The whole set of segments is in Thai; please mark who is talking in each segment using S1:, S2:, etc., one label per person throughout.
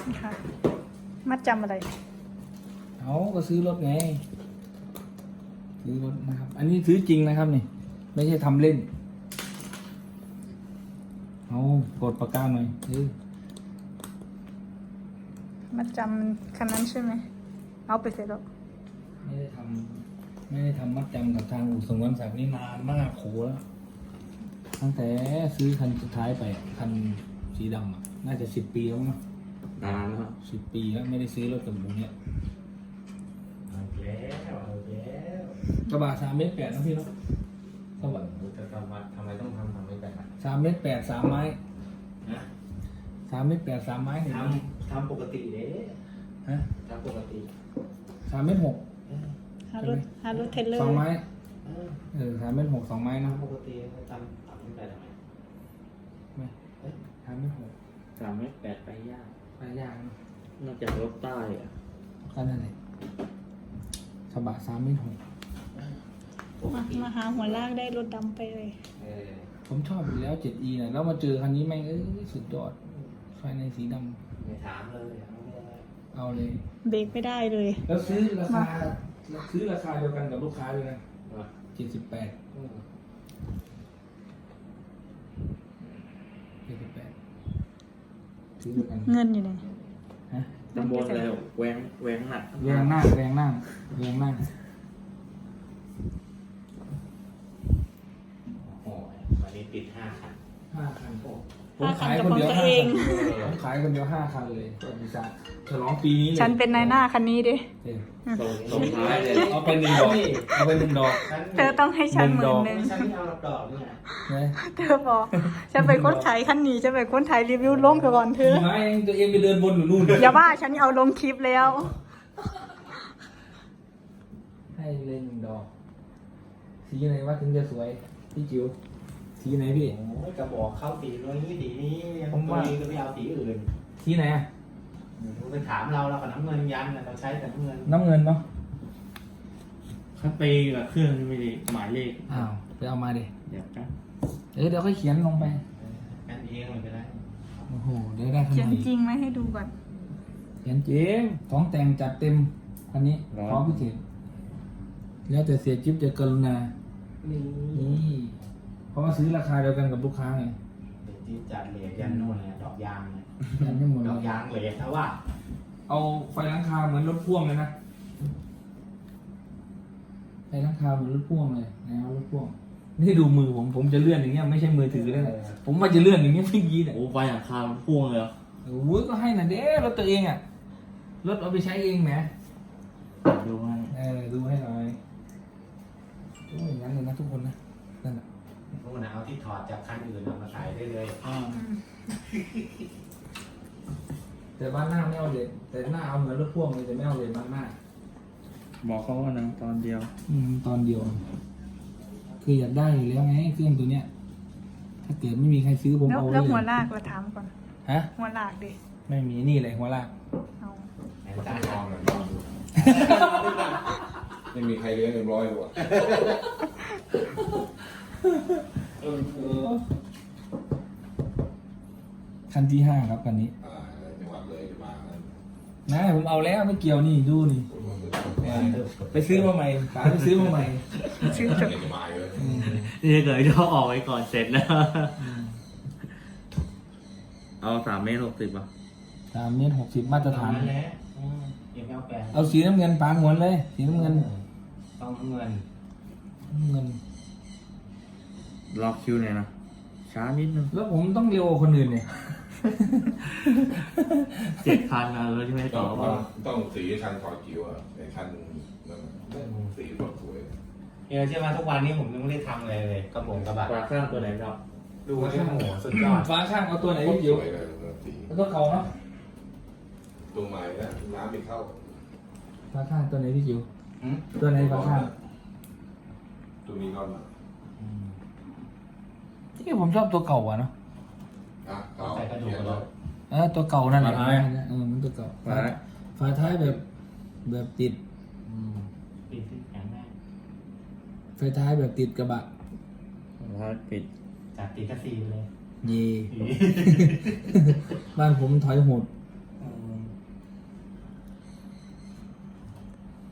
S1: ค่ะมัดจำอะไร
S2: เอาก็ซื้อรถไงซื้อรถนะครับ อันนี้ซื้อจริงนะครับนี่ไม่ใช่ทำเล่นเอากดปากกาหน่อย
S1: มัดจำคันนั้นใช่ไหมเอาไปเสร็จแล้ว
S2: ไม่ได้ทำมัดจำกับทางอู่สงวนศักดิ์นี่นานมากโขแล้วตั้งแต่ซื้อคันสุดท้ายไปคันสีดำน่าจะ10 ปีแล้วมั้ง
S3: นานแล้ว
S2: 10 ปีแล้วไม่ได้ซื้อรถกับหมูเนี่ย
S3: เอาแล้ว
S2: กระบะ3.8 เมตรนะพี่เนาะสวัสดี
S3: จะทำไมต้องทำไม่แบบนั้น
S2: 3.8 3 ไม้
S3: นะ
S2: 3.8 3 ไม้เห็นไหม
S3: ทำปกติเด้
S2: ฮะ
S3: ทำปกติ
S2: 3.6
S1: หารถเทรลเลอร์
S2: 2 ไม้
S3: เออ
S2: 3.6 2 ไม้นะ
S3: ทำปกติทำไม่ไปทำไม
S2: ไม่3.6
S3: 3.8ไปยาก
S2: ไปยากนะ
S3: นอกจากรถใต้อะ
S2: ก็นั่นแหละกระบะ3.6
S1: มาหาหัวลากได้รถดำไปเลย
S2: ผมชอบอยู่แล้ว 7E นะแล้วมาเจอคันนี้แม่งสุดยอดภายในสีด
S3: ไม่ถามเลย
S2: ำเอาเลย
S1: เบรกไม่ได้เลย
S2: แล้วซื้อราคาเดียวกันกับลูกค้าเลยนะ
S3: ว่า
S2: 78 ซื้อเดียวกัน
S1: เงินอยู่ไหน
S2: ฮะ
S3: ตำบลแล้วแหวงหนัก
S2: แรงหน้า
S3: โอ้ยวันนี้ติด5 คัน
S2: 5 คันผม
S1: 5 คั
S2: ขาน ย
S1: กับ
S2: คน
S1: ของ
S2: เดียว
S1: ตัว
S2: 5
S1: เอ
S2: คั
S1: ง
S2: นผมขายคนเดียว 5 คันเลยบริษัทฉลองปีนี้เลย
S1: ฉันเป็นนายหน้าคันนี้ดิ
S3: ส่งท้ายเลย
S2: เอาไป1 ดอกเอาไป1 ดอก
S1: เธอต้องให้ฉัน10,000
S3: ฉันไม่เอาดอกนี่ไง
S2: นะ
S1: เธอบอกฉันเป็นคนขายคันนี้ฉันเป็นคนถ่ายรีวิวลงไปก่อนเธอ
S2: ไม่ตัวเองไปเดินบนอยู่นู่น
S1: อย่าว่าฉันเอาลงคลิปแล้ว
S2: ให้เลย1 ดอก สีไหนว่าถึงจะสวยพี่จิ๋วสีไหนพี่
S3: โอ้ยกระบอกเข้าสีนู้นสีนี้ยัง
S2: ผมว่า
S3: ตัวเองก็ไม่เอาสีอื่น
S2: สีไหนอะ
S3: ไปถามเรากับน้ำเงินยันเราใช้แต่น้ำเงิน
S2: น้ำเงินเนาะ
S3: คัดไปกับเครื่องไม่ได้หมายเลข
S2: อ้าวไปเอามาดิ
S3: เดี๋ยวกัน
S2: เดี๋ยวค่อยเขียนลงไป
S3: กันเองเลยก็ได้
S2: โอ้โหเดี๋ยวได้ข
S1: เขีย
S2: นาด
S1: นจริงไหมให้ดูก่อน
S2: เขียนเจ๊ของแต่งจัดเต็มอันนี้พร้อมพิเศษแล้วแต่เสียจิ๊บจะกรุณา
S3: นี่
S2: นี่เพราะว่าซื้อราคาเดียวกันกับลูกค้าไง
S3: ที่จัดเหรียญยันโน่นเนี่ยดอกยางเนี่ย
S2: ยันไม่หมด
S3: ด
S2: เล
S3: อก
S2: ย
S3: ยางเหรียญถ้าว่า
S2: เอาไฟหลังคาเหมือนรถพ่วงเลยนะไฟหลังคาเหมือนรถพ่วงเลยนะครับรถพ่วงนี่ดูมือผมจะเลื่อนอย่างเงี้ยไม่ใช่มือถือเลยนะผมว่าจะเลื่อนอย่างเงี้ยพี่ยีเนี่ย
S3: โอ้ไฟหลังคาพ่วงเลยเหรอ
S2: โอ้ยก็ให้น่ะเด้รถตัวเองอ่ะรถเอาไปใช้เองแหม
S3: ดูให้
S2: ดูให้หน่อยโอ้ยอย่างนั้นเลยนะทุกคนนะนั่นแหละ
S3: นู่นนะเอาที่ถอดจากคันอื่นเอามาใส่ได้เลย
S2: แต่บ้านหน้าไม่เอาเลยแต่หน้าเอาเหมือนรถพ่วงเลยแต่ไม่เอาเลยบ้านหน้า
S3: บอกเขาว่านะตอนเดียว
S2: ตอนเดียว คืออยากได้อยู่แล้วไงเครื่องตัวเนี้ย ถ้าเกิดไม่มีใครซื้อผม
S1: แล้ว
S2: เอา
S1: แล้ว
S2: ไว้
S1: หัว
S2: เลย
S1: ลากเราถามก่อน
S2: ฮะ
S1: หัวลากดิ
S2: ไม่มีนี่เลยหัวลาก
S1: เอา
S3: แอนตาทองเลย
S4: ไม่มีใครเลี้ยง100ตัว
S2: คันที่5ครับคันนี้
S4: จังหวัดเลยจะมาแล้ว
S2: นะผมเอาแล้วไม่เกี่ยวนี่ดูนี่ไปซื้อมาใหม่ป๋าไปซื้อมาใหม่
S1: ซื้อจบ
S4: จะมาเลย
S3: นี่เกิดเขาออกไว้ก่อนเสร็จแล้ว เอา3.60 ป่ะ
S2: 3.60 มาตรฐาน
S3: นั่นแหละยังไม่เอาแปลง
S2: เอาสีน้ำเงินปางหวนเลย สีน้ำเงิน
S3: ต้องเงิน
S2: น้ำเงิน
S3: รอคิวหน่อยนะ ช้านิดนึง
S2: แล้วผมต้องเร็วกว่าคนอื่นเนี่ย
S3: 7,000นะเลยที่ไม่
S4: ต้
S3: ต่
S4: อ
S3: อง ว่า
S4: ต้องสีคันคอจิ๋วอ่ะในคันนั่นสีสดสวย
S3: ใช่ไหมทุกวันนี้ผมยังไม่ได้ทำอะไรเลยกระโปรงกระบะฝาข้างตัวไหนครับ ดูที่โหสุดยอด
S2: ฟ้าข้างเอาตัวไหน
S4: ส
S2: พี่จิ๋ว
S4: วยเลยสี
S2: เอาตัวเก่าเนาะ
S4: ตัวใหม่นะน้ำไม่เข้า
S2: ฟ้าข้างตัวไหนพี่จิ๋วตัวไหนฟ้าข้าง
S4: ตัวนี้ก็มา
S2: ที่ผมชอบตัวเก่าอะเนาะ
S4: เขา
S3: ใส่กระดูกแล้ว
S2: ตัวเก่านั่นแหละ
S3: ฝาท้าย
S2: มันตัวเก่า
S3: ฝา
S2: ฝาท้ายแบบติด
S3: ปิดที่แข็งแน่
S2: ไฟท้ายแบบติดกระบะ
S3: ปิดจากติดกระสีไปเลย
S2: เย่ บ้านผมถอยโหด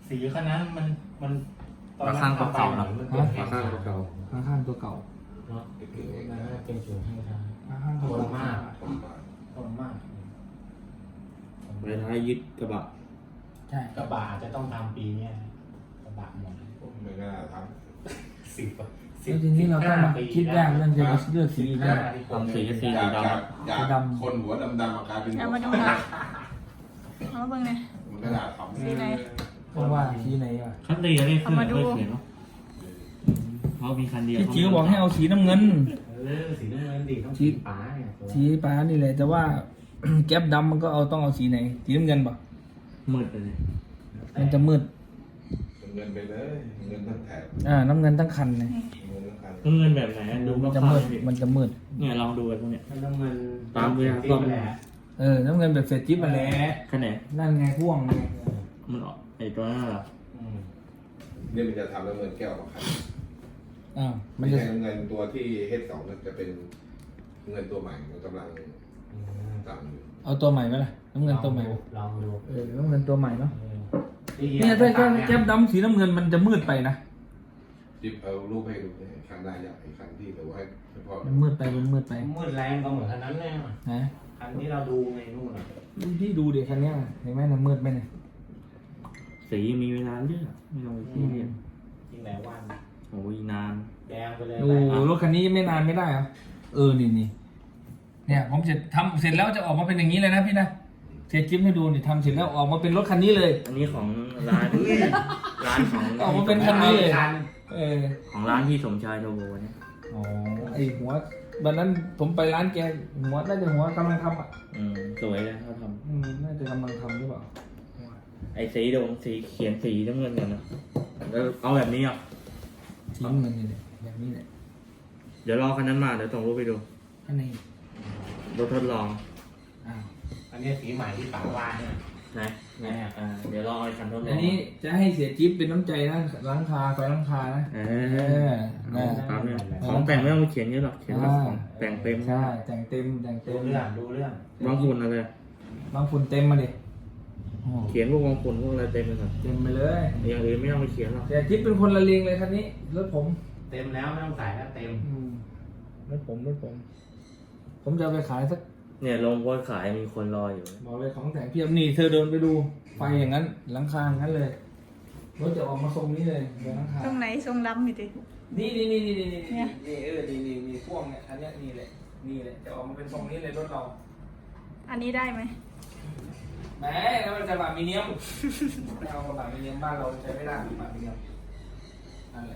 S3: สีคันนั้นมันตอนนั้น
S2: ราคาเก่าๆ
S3: ทำไป
S2: เนอะ
S3: มันเป็นแผง
S4: ข้างเก่า
S2: ข้างตัวเก่า
S3: เนาะ
S4: เก่งเอง
S3: มัน
S4: นะ
S3: น่าเป็นสูงให้ทาง
S2: ข้างตัว
S3: ทนมาก
S4: ผมมา
S3: ทนมาก
S5: ไฟท้ายยึดกระบะ
S2: ใช่
S3: กระบะอาจจะต้องทำปีเนี้ยกระบะหมด
S4: ผมไม่น่าท
S3: สิบ
S2: แล้วทีนี้เราต้องมาคิดยากเรื่องจะเลือกสีเนี่ย
S5: ทำสีสี
S4: ำ
S5: สี
S4: จาก
S5: ดำ
S4: คนหัวดำๆมากลายเป็น
S1: เอามาดู
S4: หัว
S1: หน่อย
S4: ขาว
S1: เอามาเบิ่งหน่อย
S4: มันก็น่าทำ
S1: สีไหน
S2: เพราะว่าสีไหนอ่ะ
S5: คันตีอะไรขึ้น
S1: เอามาดู
S5: ไม่เขียนเนาะเพราะมีคันเดียว
S2: พี่จิ๋วบอกให้เอาสีน้ำเงิน
S3: สีน้ำเงินดีต้อง
S2: สี
S3: สีฟ้าเนี่ย
S2: สีฟ้านี่แหละแต่ว่า แก๊ปดำมันก็ต้องเอาสีไหนสีน้ำเงินป่ะ
S5: มืดไปเลย
S2: มันจะมืด
S4: เงินไปเลยเงินทั้งแถบ
S2: น้ำเงินทั้งคันเลย
S4: เงินทั้งคัน
S5: เงินแบบไหนดู
S2: มัน
S5: ก็
S2: จะ
S5: ขา
S2: มื
S5: ด
S2: ดมันจะมืด
S5: เนี่ยลองดูกันพวกเนี้ย
S3: น้ำเงิน
S5: ตามเวลา
S3: สีแหละ
S2: น้ำเงินแบบเฟรจิ๊บมาแหล้ว
S5: คันไหน
S2: นั่นไงพ่วงไง
S5: มันออกไอ้ตัวนั้นเหรอ
S4: เนี่ยมันจะทำแล้วเงินแก้วมาขาย
S2: มั
S4: ไม่
S2: นจะ
S4: ใช่เงินตัวที่เฮดสองมันจะเป็นเงินตัวใหม่มันกำลังสั่งอยู่
S2: เอาตัวใหม่ไหมล่ะน้ำเงินตัวใหม่ไหม
S3: ลองดู
S2: น้ำเงินตัวใหม่เนาะ
S3: นี่
S2: เนี่ยถ้าแก๊ปดำสีน้ำเงินมันจะมืดไปนะ
S4: จิบเอารูปให้ดูเนี่ยคันหน้าอยากไอ้คันที่แต่ว่าให้พ่อ
S2: มันมืดไปมันมืดไป
S3: มืดแรงก็เหมือนคันนั้นแน่
S2: นะ
S3: คันที่เราดูในนู่นน่ะ
S2: พี่ดูเด็กคันเนี้ยเห็นไหมมันมืดไหมเนี่ย
S5: สีมีเวลาเลือกไม่ต้องไปซีเรียส
S3: จริงไหนวัน
S5: โอ้ยนาน
S3: แดงไปเลย
S2: โอ้รถคันนี้ไม่นานไม่ได้เหรอนี่เนี่ยผมทำเสร็จแล้วจะออกมาเป็นอย่างนี้เลยนะพี่นะเสร็จจิ๊บให้ดูนี่ทำเสร็จแล้วออกมาเป็นรถคันนี้เลย
S5: อันนี้ของร้าน ร้านของ
S2: ออกมาเป็นคันนี้เลย
S5: ของร้านที่สมชายโทโบเนี่ย
S2: อ๋อไอหัววันนั้นผมไปร้านแกหัวน่าจะหัวกำลังทำอ่ะ
S5: สวยเลยเขาท
S2: น่าจะกำลังทำหรือเปล่า
S5: ำไอ้สีดงสีเขียนสีน้ำเงินกันนะแล้วเอาแบบนี้อ่ะ
S2: ทิ้งมันนี่แหละแบบนี้แหละ
S5: เดี๋ยวรอคันนั้นมาเดี๋ยวส่งรูปไปดู
S2: อันนี้
S5: รถทดลอง
S2: อ้าว
S3: อันนี้สีใหม่ที่ป๋าว่าเนี่ย
S5: นะเดี๋ยวรอไอ้คันทดลอง
S2: อันนี้จะให้เสียจิ๊บเป็นน้ำใจนะล้างคาไฟล้างคานะ
S5: ตามเนี่ยของแต่งไม่ต้องไปเขียนเยอะหรอกเขียนแบบของแต่งเต็ม
S2: ใช่แต่งเต็ม
S3: ดูเรื่อง
S5: บางฝุ่นอะไร
S2: บางฝุ่นเต็มมาดิ
S5: เขียนพวกบางฝุ่นพวกอะไรเต็มไปหมด
S2: เต็มไปเลย
S5: อย่างอื่นไม่ต้องไปเขียนหรอก
S2: เสียจิ๊บเป็นคนละเลงเลยคันนี้รถผม
S3: เต็มแล้วไม่ต้องใส่แล้วเต็ม
S2: รถผมผมจะเอาไปขายสัก
S5: เนี่ยลงโพสต์ขายมีคนรออยู่
S2: บอกเลยของแต่งเพียบนี่เธอเดินไปดูไฟอย่างนั้นหลังคาอย่างนั้นเลยรถจะออกมาทรงนี้เลยเดี๋ยวหลังคา
S1: ตรงไหนทรงดำนี่ติ
S2: นี่
S1: เนี่ย
S2: นี่พ่วงเนี่ยอันเนี้ยนี่แหละจะออกมาเป็นทรงนี้เลยรถเรา
S1: อันนี้ได้ไหม
S2: แหมแล้วมันจะบามิเนียมไม่เอาบามิเนียมบ้านเราใช้ไม่ได้บามิเนียมนั่นแหละ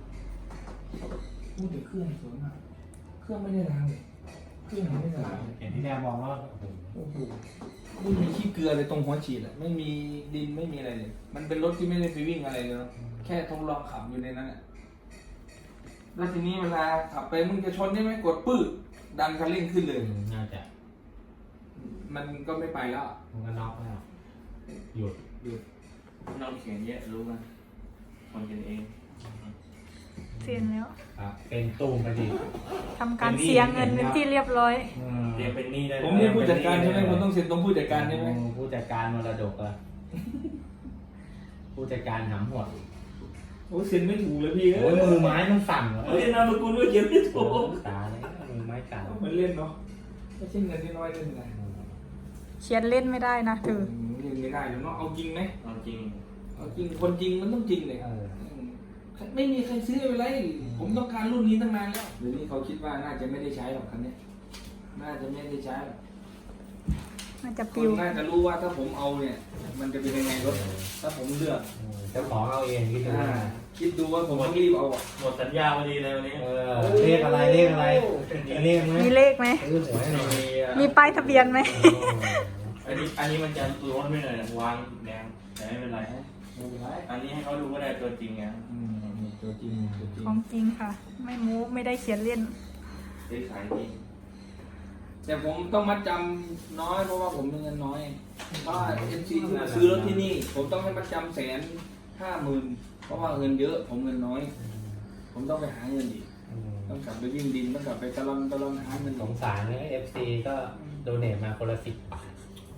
S2: พูดถึงเครื่องสวยมากเครื่องไม่ได้ล้างเลยเครื่องไม่ได้ล้างเลย
S3: เห็นที่แรกมองว่า
S2: โอ้โหไม่มีขี้เกลือเลยตรงหัวฉีดอะไม่มีดินไม่มีอะไรเลย มันเป็นรถที่ไม่ได้ไปวิ่งอะไรเลยเนอะแค่ทดลองขับอยู่ในนั้นแหละแล้วทีนี้เวลาขับไปมึงจะชนใช่ไหมกดปื้ดดันคันเร่งขึ้นเลย
S3: น่าจะ
S2: มันก็ไม่ไปแล้วอะ
S3: มันก็น็อกแล้วหยุด
S5: น้องเขียนเยอะรู้กันคนกันเอง
S1: เสียนแล้ว
S3: ครับเป็นตูมไปดิ
S1: ทำการเสียเงินเป็นที่เรียบร้อย
S5: เรียนเป็นหนี้ได้
S2: ผมเป็นผู้จัดการใช่ไหมผมต้องเซ็นตรงผู้จัดการใช่ไหม
S3: ผู้จัดการมรดกอะผู้จัดการหำหด
S2: โอ้เซ็นไม่ถูกเลยพี่
S3: โอ้ยมือไม้มันสั่นเหรอ
S2: เล่นนามสกุลด้วยเขียนไม่ถูก
S3: ตาเลยมือไม้สั่น
S2: มันเล่นเนาะไม่ใช่เงินที่น้อยเล่นไง
S1: เขียนเล่นไม่ได้นะถือ
S2: เล่นไม่ได้เดี๋ยวน้องเอาจริงไหม
S5: เอาจริง
S2: เอาจริงคนจริงมันต้องจริงเลย ไม่มีใครซื้อไปเลยผมต้องการรุ่นนี้ตั้งนานแล้วเดี๋ยวนี้เขาคิดว่าน่าจะไม่ได้ใช้หรอกคันนี้น่าจะไม่ได้ใช้หรอก
S1: น่าจะ
S2: ค
S1: ปิวน
S2: น่าจะรู้ว่าถ้าผมเอาเนี่ย มันจะเป็นยังไงรถถ้าผมเลือก
S3: เจ้าของเอาเองคิดดู
S2: คิดดูว่าผมต้องรีบเอาอ่ะ
S5: หมดสัญญาพอดีเลยวันนี้
S3: เรียกอะไรเรียกอะไรเรียกไหม
S1: มีเลขไหม
S3: ซื้อหวยหน่อย
S1: มีป้ายทะเบียนไหม
S5: อันนี้มันจะร้อนไปหน่อยวางแดงแต่ไม่เป็นไร
S2: ไม่เป็นไร
S5: อันนี้ให้เขาดูก็ได้ตัวจริงไง
S2: ตัวจริงตัวจริง
S1: ของจริงค่ะ ไม่มูไม่ได้เขียนเล่น
S5: ได้ขายจริง
S2: แต่ผมต้องมัดจำน้อยเพราะว่าผมมีเงินน้อยเพราะเอ็นซีซื้อรถที่นี่ ผมต้องให้มัดจำ150,000เพราะว่าเงินเยอะ ผมเงินน้อย ผมต้องไปหาเงินอีกต้องกลับไปวิ่งดินต้องกลับไปตะลอนหาเงิน
S3: สงสารเนี่ย FC ก็โดเนทมาคนละ10 บาท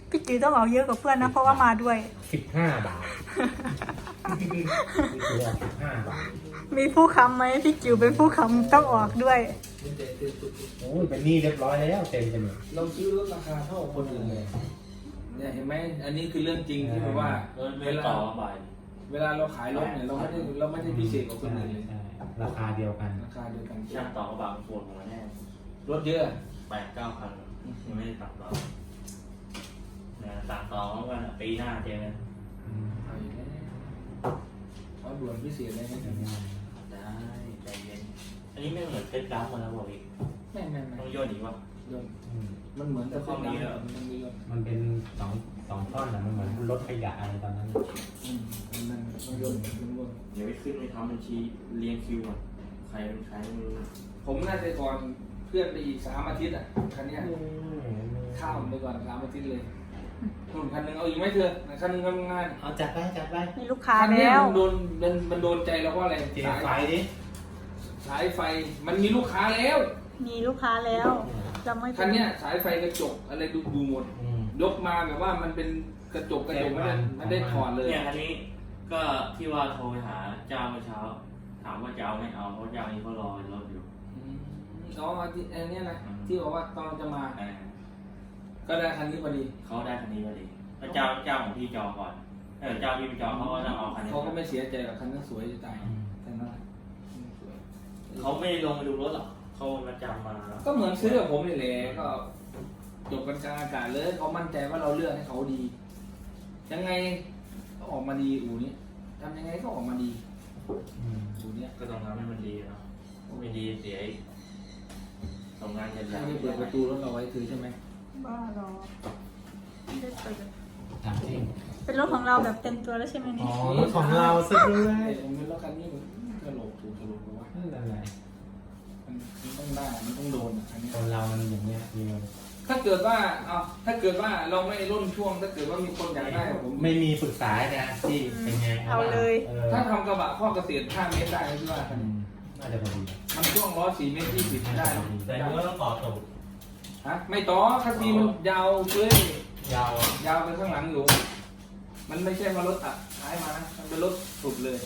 S1: พี่จิ๋วต้องออกเยอะกว่าเพื่อนนะเพราะว่ามาด้วย
S3: 15 บาทนี่คือออก15 บาท
S1: มีผู้ค้ำไหมพี่จิ๋วเป็นผู้ค้ำต้องออกด้วย
S3: โอ้ยเป็นหนี้เรียบร้อยแล้วเต็มไปหมด
S2: เราซื้อรถราคาเท่าคนอื่นเลยเนี่ยเห็นไหมอันนี้คือเรื่องจริงที่แบบว่า
S5: เงินต่อบ่าย
S2: เวลาเราขายรถเนี่ยเราไม่ได้พิเศษกว่าคนอื่นเลย
S3: ใช่ราคาเดียวกัน
S2: ราคาเดียวกัน
S5: ช่างต่อกระบะปวดหัวแน่
S2: รถเยอะ
S5: 8-9 พันยังไม่ได้ตัดต่อนะตัดต่อเมื่อวันปีหน้าเจอกัน
S2: เอาอีกแล้วเขาด่วนพิเศษเลยนะ
S5: ได้ใจเย็นอันนี้ไม่เหมือนเพชรดำมาแล้วบอกอีก
S2: ไม่
S5: ต้องย่นอีกวะ
S2: ยนต์มันเหมือนแต่ข้อนี้แล้วมันมียนต์
S3: มันเป็นสองท่อนนะมันเหมือนรถขยะอะไรตอนนั้น
S2: มันต้องยนต์มันยนต์
S5: เดี๋ยวไปขึ้นไปทำบัญชีเรียงคิวก่อนใครเป็นใครไม่รู้
S2: ผมน่าจะก่อนเพื่อนไปอีก3 อาทิตย์อ่ะคันเนี้ยข้ามไปก่อน3 อาทิตย์เลยหุ่นคันหนึงเอาอีกไหมเธอคันหนึงทำงาน
S3: เอาจัดไป
S1: มีลูกค้า
S2: คันเนี้ย
S1: แล้ว
S2: มันโดนใจเราเพราะอะไร
S3: เจีไฟดิ
S2: สายไฟมันมีลูกค้าแล้ว
S1: มีลูกค้าแล้วจะไม่
S2: คันเนี้ยสายไฟกระจกอะไรดูหมด ยกมาแบบว่ามันเป็นกระจกไม่ได้ถอดเลย
S5: เนี่ยอันนี้ก็ที่ว่าโทรไปหาเจ้าเมื่อเช้า ถามว่าจะเอาไม่เอาเพราะเจ้านี้เขารอรถอยู่
S2: อ๋อที่อันเนี้ยนะที่บอกว่าตอนจะมา ก็ได้คันนี้พอดี
S5: เขาได้คันนี้พอดีแล้วเจ้าของพี่จองก่อนเจ้าพี่ไปจองเขาก็ต้องเอาคันนี้
S2: เขาก็ไม่เสียใจหรอกคันนั้นสวยจะตายคันนั้นสวย
S5: เขาไม่ลงไปดูรถหรอกเขามาจำมา
S2: ก็เหมือนซื้อกับผมนี่แหละก็จบกันกลางอากาศเลยเขามั่นใจว่าเราเลือกให้เขาดี ยังไงก็ออกมาดีอู่นี้ทำยังไงก็ออกมาดีอู่เนี้ย
S5: ก็ต้องทำให้มันดีเนาะไม่ดีเสียอีกทำงานกัน
S2: ใครไม่เปิดประตูรถเราไว้ถือใช่ไหม
S1: บ้ารอไม่ได้เปิด
S3: ถามจริง
S1: เป็นรถของเราแบบเต็มตัวแล้วใช่ไหม
S3: อ๋
S1: เนี่
S3: อย ของเราซะด้วย
S2: ผมเป็นรถคันนี้มันกระโหลกถูกกระโหลกเพราะว่า
S3: นั่นแหละ
S2: มันต้องได้มันต้องโดนอ่ะคันนี้
S3: คนเรามันอย่างเงี้ยมี
S2: ถ้าเกิดว่าถ้าเกิดว่าเราไม่ร่นช่วง ถ้าเกิดว่ามีคนอยากได้ผม
S3: ไม่มีปรึกษาเนี่ยที่เป็นไง
S1: เอาเลย
S2: ถ้าทำกระบะข้อเกษตร5 เมตรได้ที่ว่าคันนี้
S3: น่าจะพอดี
S2: มันช่วงล้อ4 เมตร 20ได้
S3: แต่มันก็ต้องต่อตูด
S2: ฮะไม่ต่อคันนี้มันยาวเลย
S3: ยาว
S2: ยาวไปข้างหลังอยู่ มันไม่ใช่ว่ารถตัดท้ายมานะมันเป็นรถสุดเลย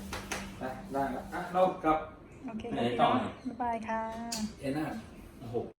S2: ได้แล้วเรากลับ
S1: โอเคค่ะบ๊ายบายค่ะ
S2: เอ็น่า
S5: โอ้โห